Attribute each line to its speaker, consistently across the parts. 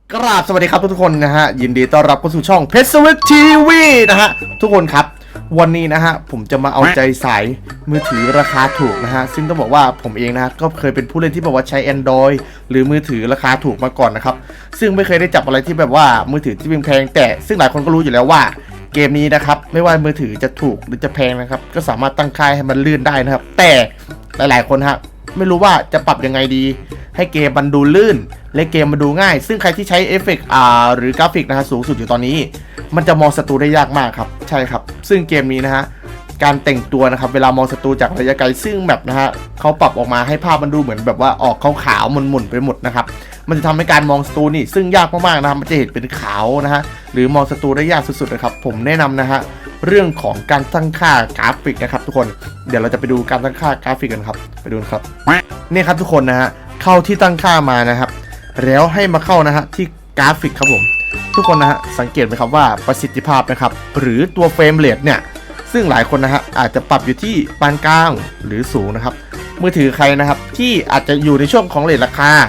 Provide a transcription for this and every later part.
Speaker 1: กราบสวัสดีครับทุกคนนะฮะยินดีต้อนรับเข้าสู่ช่องเพชรสวิตทีวีนะฮะทุกคนครับวันนี้นะฮะผมจะมาเอาใจสายมือถือราคาถูกนะฮะซึ่งต้องบอกว่าผมเองนะก็เคยเป็นผู้เล่นที่บอกว่าใช้ Android หรือมือถือราคาถูกมาก่อนนะครับซึ่งไม่เคยได้จับอะไรที่แบบว่ามือถือที่แพงแต่ซึ่งหลายคนก็รู้อยู่แล้วว่าเกมนี้นะครับไม่ว่ามือถือจะถูกหรือจะแพงนะครับก็สามารถตั้งค่าให้มันลื่นได้นะครับแต่หลายๆคนฮะไม่รู้ว่าจะปรับยังไงดีให้เกมมันดูลื่นและเกมมันดูง่ายซึ่งใครที่ใช้เอฟเฟกต์หรือกราฟิกนะฮะสูงสุดอยู่ตอนนี้มันจะมองศัตรูได้ยากมากครับใช่ครับซึ่งเกมนี้นะฮะการแต่งตัวนะครับเวลามองศัตรูจากระยะไกลซึ่งแบบนะฮะเขาปรับออกมาให้ภาพมันดูเหมือนแบบว่าออกขาวๆหมุนๆไปหมดนะครับมันจะทำให้การมองศัตรูนี่ซึ่งยากมากๆนะครับมันจะเห็นเป็นขาวนะฮะหรือมองศัตรูได้ยากสุดๆนะครับผมแนะนำนะฮะเรื่องของการตั้งค่ากราฟิกนะครับทุกคนเดี๋ยวเราจะไปดูการตั้งค่ากราฟิกกันครับไปดูครับนี่ครับทุกคนนะฮะเข้าที่ตั้งค่ามานะครับแล้วให้มาเข้านะฮะที่กราฟิกครับผมทุกคนนะฮะสังเกตไหมครับว่าประสิทธิภาพนะครับหรือตัวเฟรมเรทเนี่ยซึ่งหลายคนนะฮะอาจจะปรับอยู่ที่ปานกลางหรือสูงนะครับมือถือใครนะครับที่อาจจะอยู่ในช่วงของเรทราคา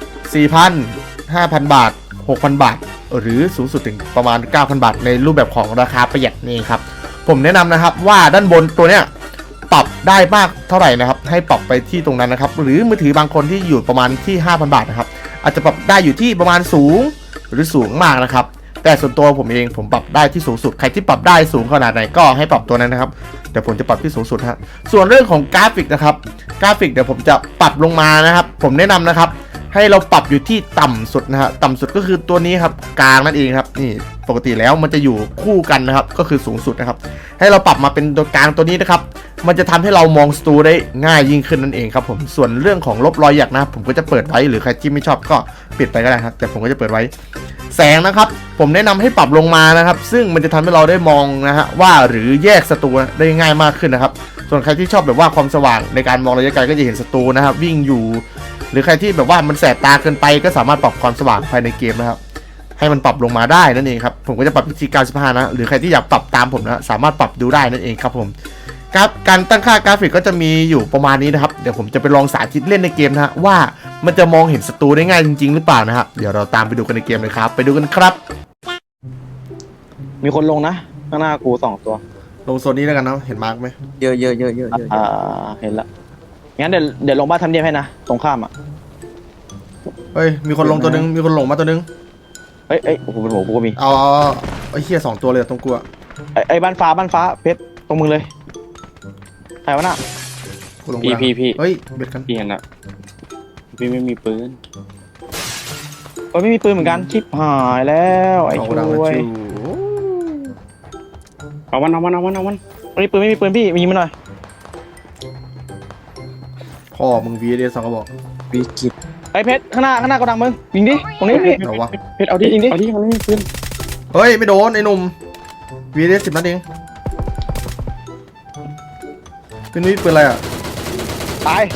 Speaker 1: 4,000 5,000 บาท 6,000 บาทหรือสูงสุดถึงประมาณ 9,000 บาทในรูปแบบของราคาประหยัดนี่ครับผมแนะนำนะครับว่าด้านบนตัวเนี้ยปรับได้มากเท่าไหร่นะครับให้ปรับไปที่ตรงนั้นนะครับหรือมือถือบางคนที่อยู่ประมาณที่ 5,000 บาทนะครับอาจจะปรับได้อยู่ที่ประมาณสูงหรือสูงมากนะครับแต่ส่วนตัวผมเองผมปรับได้ที่สูงสุดใครที่ปรับได้สูงขนาดไหนก็ให้ปรับตัวนั้นนะครับเดี๋ยวผมจะปรับที่สูงสุดฮะส่วนเรื่องของกราฟิกนะครับกราฟิกเดี๋ยวผมจะปรับลงมานะครับผมแนะนำนะครับให้เราปรับอยู่ที่ต่ำสุดนะฮะต่ำสุดก็คือตัวนี้ครับกลางนั่นเองครับนี่ปกติแล้วมันจะอยู่คู่กันนะครับก็คือสูงสุดนะครับให้เราปรับมาเป็นตัวกลางตัวนี้นะครับมันจะทำให้เรามองศัตรูได้ง่ายยิ่งขึ้นนั่นเองครับผมส่วนเรื่องของลบรอยหยักนะผมก็จะเปิดไว้หรือใครที่ไม่ชอบก็ปิดไปก็ได้ครับแต่ผมก็จะเปิดไว้แสงนะครับผมแนะนำให้ปรับลงมานะครับซึ่งมันจะทำให้เราได้มองนะฮะว่าหรือแยกศัตรูได้ง่ายมากขึ้นนะครับส่วนใครที่ชอบแบบว่าความสว่างในการมองระยะไกลก็จะเห็นศัตรูนะครับวิ่งอยู่หรือใครที่แบบว่ามันแสบตาเกินไปก็สามารถปรับความสว่างภายในเกมนะครับให้มันปรับลงมาได้นั่นเองครับผมก็จะปรับที่95นะหรือใครที่อยากปรับตามผมนะสามารถปรับดูได้นั่นเองครับผมการตั้งค่ากราฟิกก็จะมีอยู่ประมาณนี้นะครับเดี๋ยวผมจะไปลองสาธิตเล่นในเกมนะฮะว่ามันจะมองเห็นศัตรูได้ง่ายจริงๆหรือเปล่านะครับเดี๋ยวเราตามไปดูกันในเกมเลยครับไปดูกันครับ
Speaker 2: มีคนลงนะข้างหน้ากู2 ตัว
Speaker 1: ลงโซนนี้แล้วกันนะเห็นมาร์กไหม
Speaker 3: เยอะ
Speaker 2: เห็นละงั้นเดี๋ยวลงบ้านทำเนียบให้นะตรงข้ามอ่ะ
Speaker 1: เฮ้ยมีคนลงตัวนึงมีคนลงมาตัวนึง
Speaker 2: เอ้ยโอ้โหเป็นหัวกูก็มี
Speaker 1: เอาไอ้เหี้ย2ตัวเลยตรงกูอะ
Speaker 2: ไอ้บ้านฟ้าเพชรตรงมึงเลยใครวะน่ะ
Speaker 1: กูลง
Speaker 3: พี่
Speaker 1: เฮ้ยเบ็ดกัน
Speaker 3: พี่เห็นละพี่ไม่มีปืน
Speaker 2: ไม่มีปืนเหมือนกันชิบหายแล้วไอ้ช่วย
Speaker 3: เอาวัน
Speaker 2: ไม่มีปืนพี่มีมันหน่อย
Speaker 1: พ่อมึง VS 2 กระบอก
Speaker 3: พี่กิด
Speaker 2: ไอ้เพชรข้างหน้าก็ดังมึงยิงดิตรงนี้พี่
Speaker 1: เอาวะ
Speaker 3: เพชรเอาดิมันไม่มีปืน
Speaker 1: เฮ้ยไม่โดนไอ้หนุ่ม VS 10 นัดเองเป็นนี่ปืนอะไรอ่ะ
Speaker 2: ตาย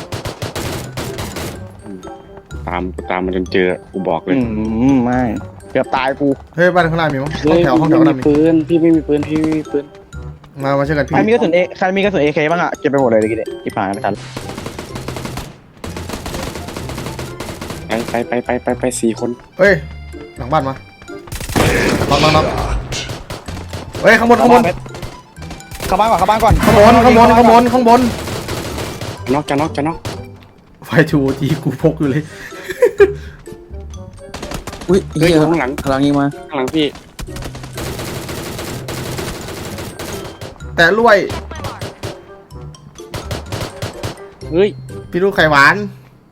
Speaker 3: ตามมันจนเจอกูบอกเลย
Speaker 2: ไม่เกือบตายกู
Speaker 1: เฮ้ยบ้านข้างหน้ามีมั้งห้องแถวข้างหน้ามี
Speaker 3: ปืนพี่ไม่มีปืน
Speaker 1: มาช่วยกันพี่
Speaker 2: ใครมีกระสุนเอเคบ้างอ่ะเก็บไปหมดเลยดิที่ผ่านไม่ทัน
Speaker 3: ไป4 คน
Speaker 1: เฮ้ยหลังบ้านมาน็อกเฮ้ยข้างบน
Speaker 2: เข้าบ้านก่อน
Speaker 1: ข้างบน
Speaker 3: จะน็อก
Speaker 1: ไฟทูทีกูพกอยู่เลย
Speaker 3: อุ้ยข้างหลังยิงมาข้างหลังพี่
Speaker 1: แต่รวย
Speaker 3: เฮ้ย
Speaker 1: พี่ลูกไข่หวาน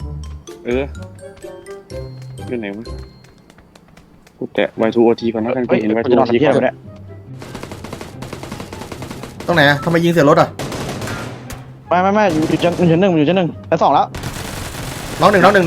Speaker 3: อยู่ไหนวะกูแตะ Y2OT ก่อนนะกันกูเห็น Y2OT ก่อน
Speaker 1: ตรงไหนอะทำไมยิงเสียรถอะ
Speaker 2: ไม่อยู่ชั้น 1อยู่ชั้น 1แล้ว2แล้ว
Speaker 1: น้องหนึ่งกำลัง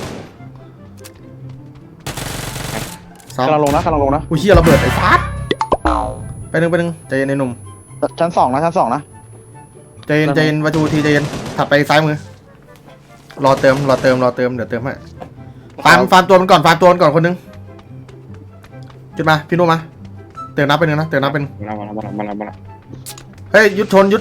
Speaker 2: ลงนะ
Speaker 1: อุ้ยเหี้ยระเบิดไอ้ฟาดไปหนึ่งใจเย็นไอ้หนุ่ม
Speaker 2: ชั้น 2นะ
Speaker 1: ใจเย็นวัตถุทีใจเย็นถัดไปซ้ายมือรอเติมเดี๋ยวเติมให้ฟาร์มตัวมันก่อนคนนึงจุดมาพี่นุ่มมาเติมนับไปหนึ่งนะ
Speaker 3: มา
Speaker 1: เฮ้ยยุดชน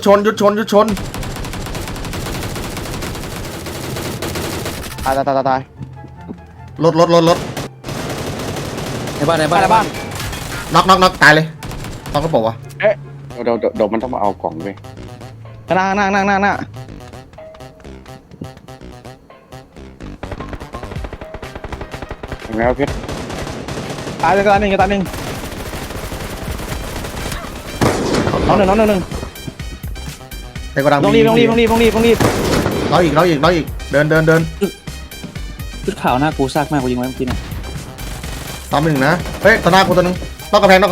Speaker 2: ตาย
Speaker 1: รถ
Speaker 4: ในบ้าน
Speaker 1: น็อกตายเลยต้องก็บอกว่า
Speaker 3: เดี๋ยวมันต้องมาเอากล่องเว้ย
Speaker 2: หน้า
Speaker 3: เห็นไหมครับเพชร
Speaker 2: ตายหนึ่งน้องหนึ่ง
Speaker 1: ในกระดัง
Speaker 2: ต้องรีบ
Speaker 1: เราอีกเดิน
Speaker 4: ชุดขาวหน้ากูซากมากกูยิงไว้เมื่อกี้เนี่ย
Speaker 1: ตามหนึ่งนะเฮ้ยตัวหน้ากูตัวหนึงนอกกระแพง
Speaker 3: ลาก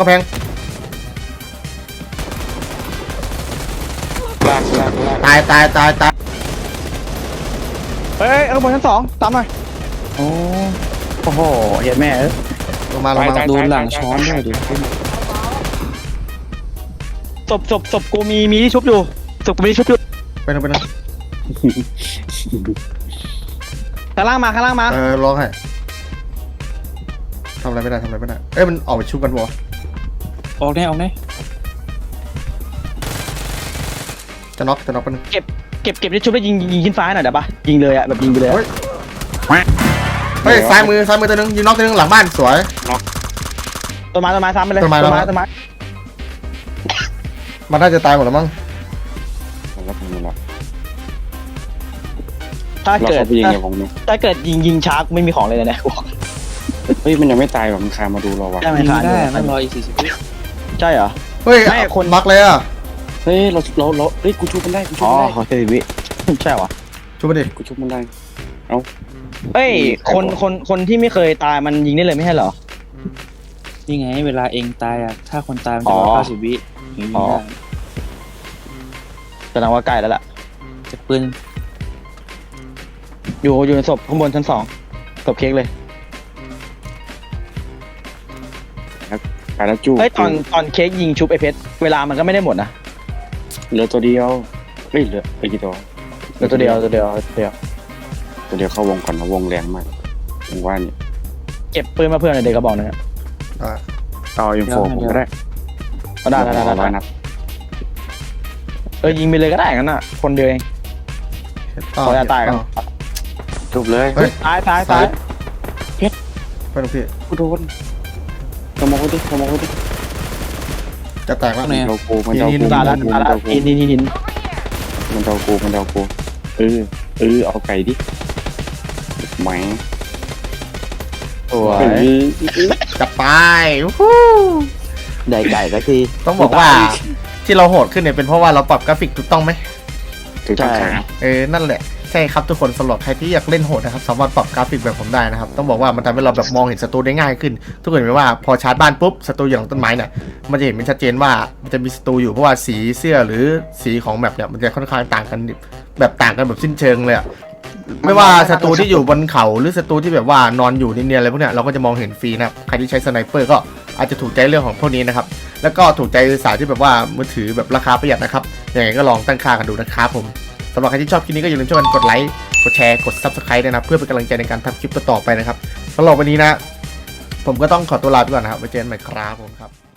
Speaker 1: ตาย
Speaker 2: เฮ้ยข้างบนชั้น2ตามหน่อยโอ้โหเห็นแม่เอ้ย
Speaker 1: ลงมา
Speaker 4: โดนหลังช้อนด้วยดิ
Speaker 2: ศพกูมีที่ชุบอยู่ศพกูมีที่ชุบอยู่
Speaker 1: ไปนะ
Speaker 2: ข้างล่างมา
Speaker 1: ร้องให้ทำอะไรไม่ได้เอ้ยมันออกไปชุบกันบ่
Speaker 4: ออกแน่
Speaker 1: จะน็อกไปนึง
Speaker 2: เก็บที่ชุบแล้วยิงขึ้นฟ้าหน่อยเดี๋ยวปะยิงเลยอะแบบยิงไปเลย
Speaker 1: เฮ้ยซ้ายมือตัวหนึงยิงน็อกตัวหนึงหลังบ้านสวย
Speaker 2: ต้นไม้ซ้ำไปเลย
Speaker 1: ต้นไม้ มันน่าจะตายหมดแล้วมั้ง
Speaker 3: แล้วทำยังไง
Speaker 2: ถ้า
Speaker 3: เรา
Speaker 2: เกิด
Speaker 3: เขาไปยิงในวงนี้
Speaker 2: ถ้าเกิดยิงช้ากูไม่มีของเลยนะ
Speaker 3: เฮ้ยมันยังไม่ตายหรอมันคามาดูเราวะ
Speaker 4: ยิงได้นั่นรออีก40 วิ
Speaker 2: ใช่เหรอ
Speaker 1: เฮ้ย
Speaker 2: ไม่คน
Speaker 1: น็อกเลยอ่ะ
Speaker 3: เฮ้ยเราเฮ้ยกูชุบมันได้
Speaker 2: อ๋อเขาเซวิใช่เหรอ
Speaker 1: ชุบไปดิ
Speaker 3: กูชุบมันได้
Speaker 2: เฮ้ยคนที่ไม่เคยตายมันยิงได้เลยไม่ใช่เหรอ
Speaker 4: นี่ไงเวลาเองตายอ่ะถ้าคนตายมันจะรอ90 วิยิงได้
Speaker 2: แสดงว่าใกล้แล้วล่ะ
Speaker 4: จากปืน
Speaker 2: อยู่ในศพข้างบนชั้น2ศพเค้กเลย
Speaker 3: ตายแล้วจู้
Speaker 2: เฮ้ยตอนเค้กยิงชุบไอเพชรเวลามันก็ไม่ได้หมดนะ
Speaker 3: เหลือตัวเดียวเฮ้ยเหลือไปกี่ตัว
Speaker 2: เหลือตัวเดียว
Speaker 3: ตัวเดียวเข้าวงก่อนนะวงแรงมากผมว่านี่
Speaker 2: เก็บปืนมาเพื่อนในเด็กกระบอกนึง
Speaker 1: อ่า
Speaker 3: เอาอินโฟผมก็ได้
Speaker 2: ก็ได้
Speaker 3: นัด
Speaker 2: ยิงไปเลยก็ได้งั้นน่ะคนเดียวเองขออย่าตายกัน
Speaker 3: จบเลย
Speaker 1: เฮ้ย
Speaker 2: ตาย
Speaker 1: ไปดูพี่
Speaker 3: กูโดนขโมยดิ
Speaker 1: จะแตกแล้ว
Speaker 4: ตรงไหน
Speaker 3: มัน
Speaker 4: อะ
Speaker 3: เดากูมันเดากู
Speaker 2: ตายแล้วหิน
Speaker 3: มันเดากูเอาไก่ดิไหม
Speaker 2: สวย
Speaker 1: จะไปวู้
Speaker 2: ได้ไก่สักที
Speaker 1: ต้องบอกว่าที่เราโหดขึ้นเนี่ยเป็นเพราะว่าเราปรับกราฟิกถูกต้องไหม
Speaker 3: ถูกต้องครับ
Speaker 1: นั่นแหละใช่ครับทุกคนสำหรับใครที่อยากเล่นโหดนะครับสามารถปรับกราฟิกแบบผมได้นะครับต้องบอกว่ามันทำให้เราแบบมองเห็นศัตรูได้ง่ายขึ้น ทุกคนเห็นไหมว่าพอชาร์จบ้านปุ๊บศัตรูอยู่หลังต้นไม้เนี่ยมันจะเห็นเป็นชัดเจนว่ามันจะมีศัตรูอยู่เพราะว่าสีเสื้อหรือสีของแมปเนี่ยมันจะค่อนข้างต่างกันแบบสิ้นเชิงเลยอะไม่ว่าศัตรูที่อยู่บนเขาหรือศัตรูที่แบบว่านอนอยู่เนียนๆอะไรพวกเนี้ยเราก็จะมองเห็นฟรีนะครับใครที่ใช้สไนเปอร์ก็อาจจะถูกใจเรื่องของพวกนี้นะครับแล้วก็ถูกใจสายที่แบบว่ามือถือแบบราคาประหยัดนะครับยังไงก็ลองตั้งค่ากันดูนะครับผมสำหรับใครที่ชอบคลิปนี้ก็อย่าลืมช่วยกันกดไลค์กดแชร์กด Subscribe ด้วยนะเพื่อเป็นกำลังใจในการทำคลิปต่อๆไปนะครับสำหรับวันนี้นะผมก็ต้องขอตัวลาไปก่อนนะครับไว้เจอกันใหม่ครับผมครับ